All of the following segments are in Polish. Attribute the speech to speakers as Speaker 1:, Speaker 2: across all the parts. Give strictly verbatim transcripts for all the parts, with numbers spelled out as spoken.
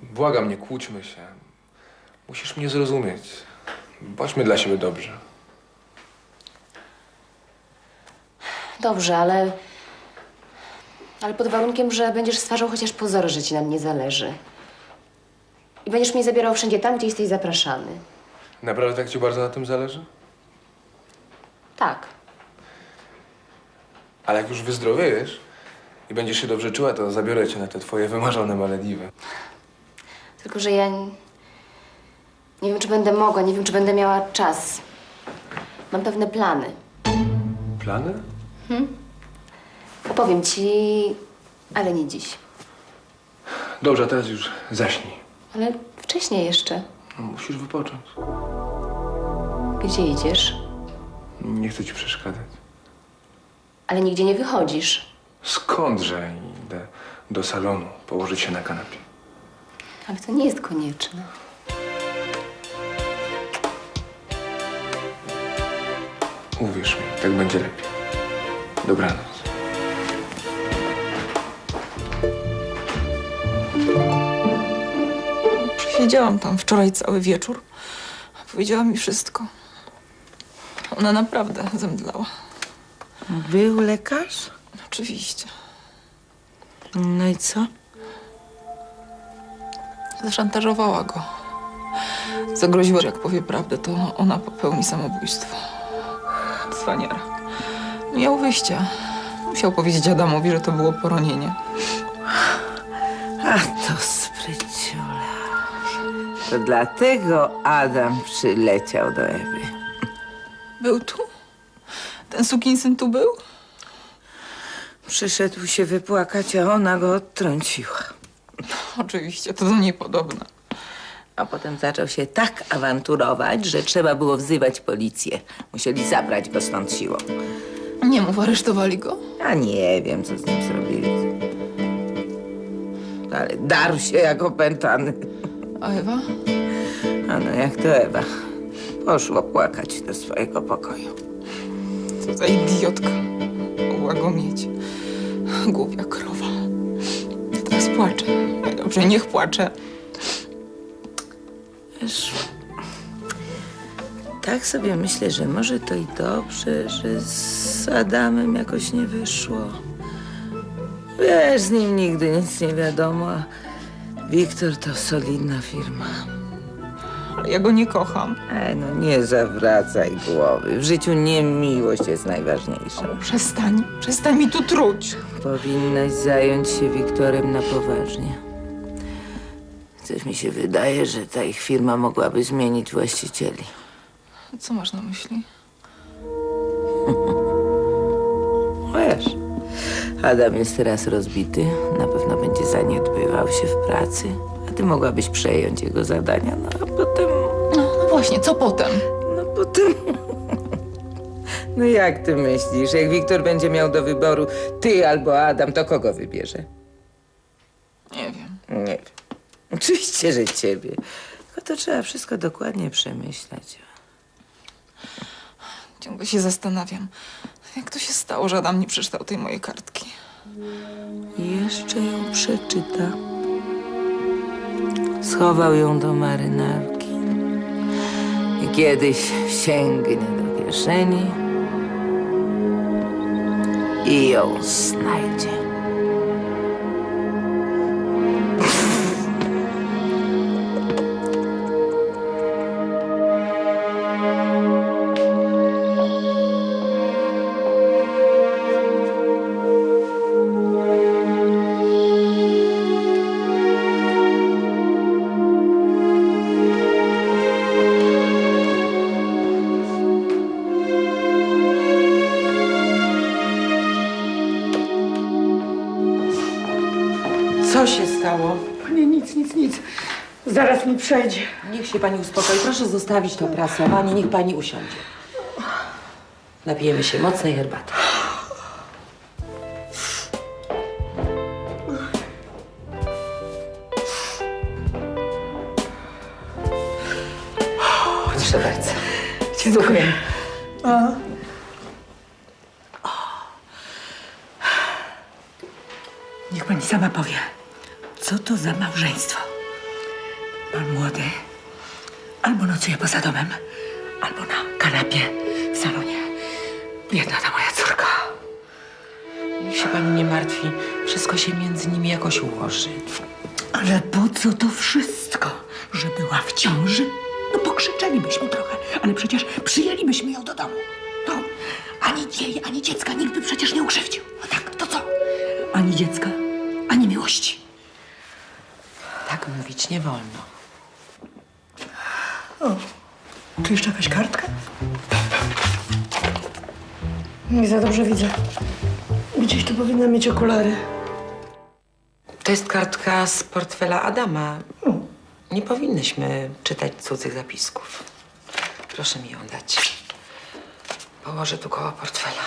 Speaker 1: Błagam, nie kłóćmy się. Musisz mnie zrozumieć. Bądźmy dla siebie dobrzy.
Speaker 2: Dobrze, ale... Ale pod warunkiem, że będziesz stwarzał chociaż pozory, że ci na mnie zależy. I będziesz mnie zabierał wszędzie tam, gdzie jesteś zapraszany.
Speaker 1: Naprawdę tak ci bardzo na tym zależy?
Speaker 2: Tak.
Speaker 1: Ale jak już wyzdrowiejesz i będziesz się dobrze czuła, to zabiorę cię na te twoje wymarzone Malediwy.
Speaker 2: Tylko, że ja... Nie, nie wiem, czy będę mogła, nie wiem, czy będę miała czas. Mam pewne plany.
Speaker 1: Plany?
Speaker 2: Opowiem ci, ale nie dziś.
Speaker 1: Dobrze, a teraz już zaśnij.
Speaker 2: Ale wcześniej jeszcze.
Speaker 1: No, musisz wypocząć.
Speaker 2: Gdzie idziesz?
Speaker 1: Nie chcę ci przeszkadzać.
Speaker 2: Ale nigdzie nie wychodzisz.
Speaker 1: Skądże idę do salonu położyć się na kanapie?
Speaker 2: Ale to nie jest konieczne.
Speaker 1: Uwierz mi, tak będzie lepiej. Dobranoc.
Speaker 3: Siedziałam tam wczoraj cały wieczór. Powiedziała mi wszystko. Ona naprawdę zemdlała.
Speaker 4: Był lekarz?
Speaker 3: Oczywiście.
Speaker 4: No i co?
Speaker 3: Zaszantażowała go. Zagroziła, że jak powie prawdę, to ona popełni samobójstwo. Cwaniara. Nie miał wyjścia. Musiał powiedzieć Adamowi, że to było poronienie.
Speaker 4: A to spryciula. To dlatego Adam przyleciał do Ewy.
Speaker 3: Był tu? Ten sukinsyn tu był?
Speaker 4: Przyszedł się wypłakać, a ona go odtrąciła.
Speaker 3: Oczywiście, to do niej podobne.
Speaker 4: A potem zaczął się tak awanturować, że trzeba było wzywać policję. Musieli zabrać go stąd siłą.
Speaker 3: Nie mów, aresztowali go?
Speaker 4: Ja nie wiem, co z nim zrobili. Ale darł się jak opętany.
Speaker 3: A Ewa?
Speaker 4: A no jak to Ewa. Poszło płakać do swojego pokoju.
Speaker 3: Co za idiotka. Mogła go mieć. Głupia krowa. Ja teraz płaczę. Dobrze, niech płacze.
Speaker 4: Wiesz, tak sobie myślę, że może to i dobrze, że z Adamem jakoś nie wyszło. Wiesz, z nim nigdy nic nie wiadomo, a Wiktor to solidna firma.
Speaker 3: Ale ja go nie kocham.
Speaker 4: E, no nie zawracaj głowy. W życiu nie miłość jest najważniejsza.
Speaker 3: Przestań. Przestań mi tu truć.
Speaker 4: Powinnaś zająć się Wiktorem na poważnie. Coś mi się wydaje, że ta ich firma mogłaby zmienić właścicieli.
Speaker 3: Co masz na myśli?
Speaker 4: Wiesz, Adam jest teraz rozbity, na pewno będzie zaniedbywał się w pracy, a ty mogłabyś przejąć jego zadania, no a potem...
Speaker 3: No, no właśnie, co potem?
Speaker 4: No potem... No jak ty myślisz, jak Wiktor będzie miał do wyboru ty albo Adam, to kogo wybierze?
Speaker 3: Nie wiem.
Speaker 4: Nie wiem. Oczywiście, że ciebie. Tylko to trzeba wszystko dokładnie przemyśleć.
Speaker 3: Ciągle się zastanawiam, jak to się stało, że Adam nie przeczytał tej mojej kartki.
Speaker 4: I jeszcze ją przeczyta. Schował ją do marynarki. I kiedyś sięgnie do kieszeni i ją znajdzie.
Speaker 5: Co się stało?
Speaker 6: Nie, nic, nic, nic. Zaraz mi przejdzie.
Speaker 5: Niech się pani uspokoi. Proszę zostawić to prasowanie. Niech pani usiądzie. Napijemy się mocnej herbaty. Proszę bardzo.
Speaker 6: Dziękuję. Niech pani sama powie, co to za małżeństwo? Pan młody albo nocuje poza domem, albo na kanapie w salonie. Biedna ta moja córka.
Speaker 5: Niech się pani nie martwi. Wszystko się między nimi jakoś ułoży.
Speaker 6: Ale po co to wszystko? Że była w ciąży? No pokrzyczelibyśmy trochę, ale przecież przyjęlibyśmy ją do domu. No, ani jej, ani dziecka nikt by przecież nie ukrzywdził. No tak, to co? Ani dziecka, ani miłości.
Speaker 5: Tak mówić nie wolno.
Speaker 6: O, tu jeszcze jakaś kartka? Nie za dobrze widzę. Gdzieś tu powinna mieć okulary.
Speaker 5: To jest kartka z portfela Adama. Nie powinnyśmy czytać cudzych zapisków. Proszę mi ją dać. Położę tu koło portfela.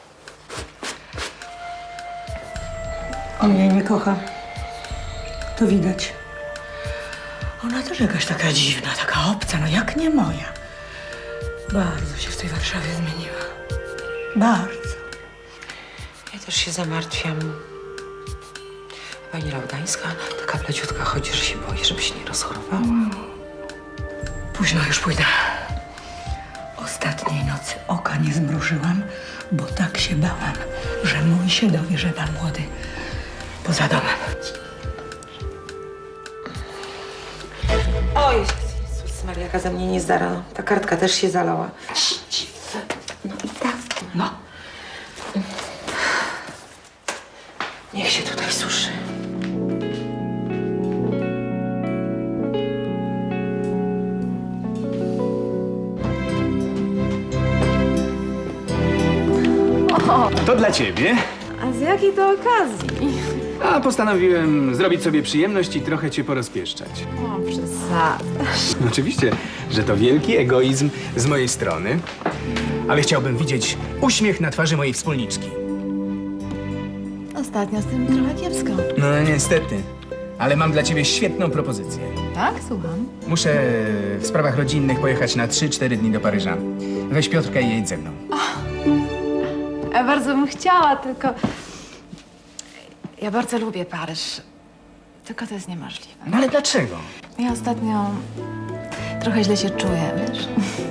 Speaker 6: On jej nie kocha. To widać. Ona też jakaś taka dziwna, taka obca, no jak nie moja. Bardzo się w tej Warszawie zmieniła. Bardzo.
Speaker 5: Ja też się zamartwiam. Pani Laudańska taka pleciutka chodzi, że się boi, żeby się nie rozchorowała.
Speaker 6: Późno już pójdę. Ostatniej nocy oka nie zmrużyłam, bo tak się bałam, że mój się dowie, że pan młody poza domem.
Speaker 5: O Jezus Maria, jaka ze mnie niezdara. Ta kartka też się zalała. No i tak.
Speaker 6: No.
Speaker 5: Niech się tutaj suszy.
Speaker 7: To dla ciebie.
Speaker 8: A z jakiej to okazji?
Speaker 7: A postanowiłem zrobić sobie przyjemność i trochę cię porozpieszczać.
Speaker 8: O, przesada.
Speaker 7: Oczywiście, że to wielki egoizm z mojej strony, ale chciałbym widzieć uśmiech na twarzy mojej wspólniczki.
Speaker 8: Ostatnio z tym trochę kiepsko.
Speaker 7: No niestety, ale mam dla ciebie świetną propozycję.
Speaker 8: Tak? Słucham.
Speaker 7: Muszę w sprawach rodzinnych pojechać na trzy cztery dni do Paryża. Weź Piotrka i jedź ze mną.
Speaker 8: Ja bardzo bym chciała, tylko... Ja bardzo lubię Paryż. Tylko to jest niemożliwe.
Speaker 7: No ale dlaczego?
Speaker 8: Ja ostatnio trochę źle się czuję, wiesz?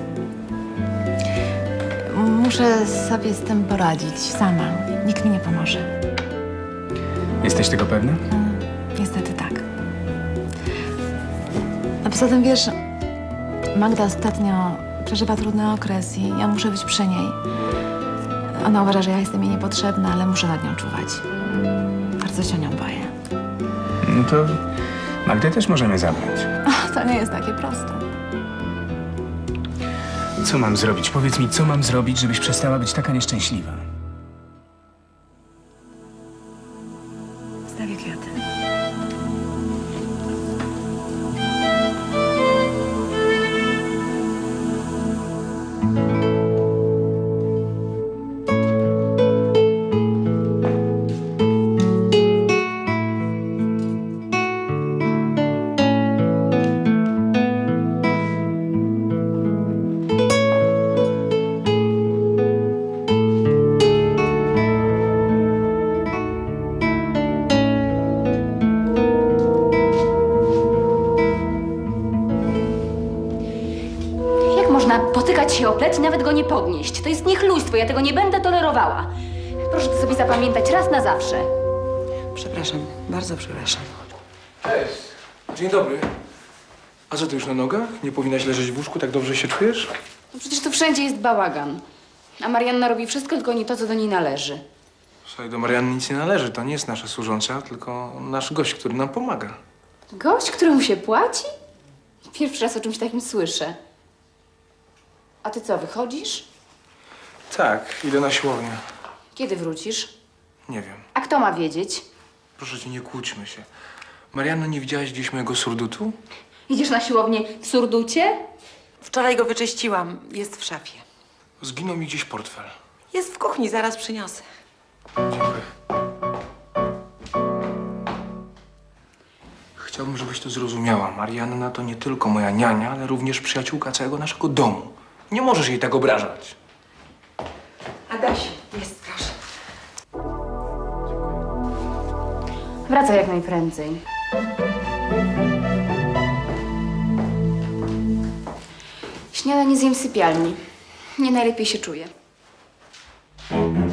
Speaker 8: Muszę sobie z tym poradzić sama. Nikt mi nie pomoże.
Speaker 7: Jesteś tego pewna?
Speaker 8: Niestety tak. A poza tym, wiesz, Magda ostatnio przeżywa trudny okres i ja muszę być przy niej. Ona uważa, że ja jestem jej niepotrzebna, ale muszę nad nią czuwać. Bardzo się o nią boję.
Speaker 7: No to Magdę też możemy zabrać.
Speaker 8: Ach, to nie jest takie proste.
Speaker 7: Co mam zrobić? Powiedz mi, co mam zrobić, żebyś przestała być taka nieszczęśliwa?
Speaker 6: Stawię kwiaty.
Speaker 2: Jak można potykać się o plec i nawet go nie podnieść? To jest niechlujstwo, ja tego nie będę tolerowała. Proszę to sobie zapamiętać raz na zawsze.
Speaker 5: Przepraszam, bardzo przepraszam.
Speaker 1: Cześć. Dzień dobry. A co, ty już na nogach? Nie powinnaś leżeć w łóżku, tak dobrze się czujesz?
Speaker 2: No przecież tu wszędzie jest bałagan. A Marianna robi wszystko, tylko nie to, co do niej należy.
Speaker 1: Słuchaj, do Marianny nic nie należy. To nie jest nasza służąca, tylko nasz gość, który nam pomaga.
Speaker 2: Gość, któremu się płaci? Pierwszy raz o czymś takim słyszę. A ty co, wychodzisz?
Speaker 1: Tak, idę na siłownię.
Speaker 2: Kiedy wrócisz?
Speaker 1: Nie wiem.
Speaker 2: A kto ma wiedzieć?
Speaker 1: Proszę cię, nie kłóćmy się. Marianno, nie widziałaś gdzieś mojego surdutu?
Speaker 2: Idziesz na siłownię w surducie?
Speaker 5: Wczoraj go wyczyściłam. Jest w szafie.
Speaker 1: Zginął mi gdzieś portfel.
Speaker 5: Jest w kuchni, zaraz przyniosę.
Speaker 1: Dziękuję. Chciałbym, żebyś to zrozumiała. Marianna to nie tylko moja niania, ale również przyjaciółka całego naszego domu. Nie możesz jej tak obrażać.
Speaker 5: Adasiu, jest, proszę.
Speaker 2: Wracaj jak najprędzej. Śniadanie zjem w sypialni. Nie najlepiej się czuję.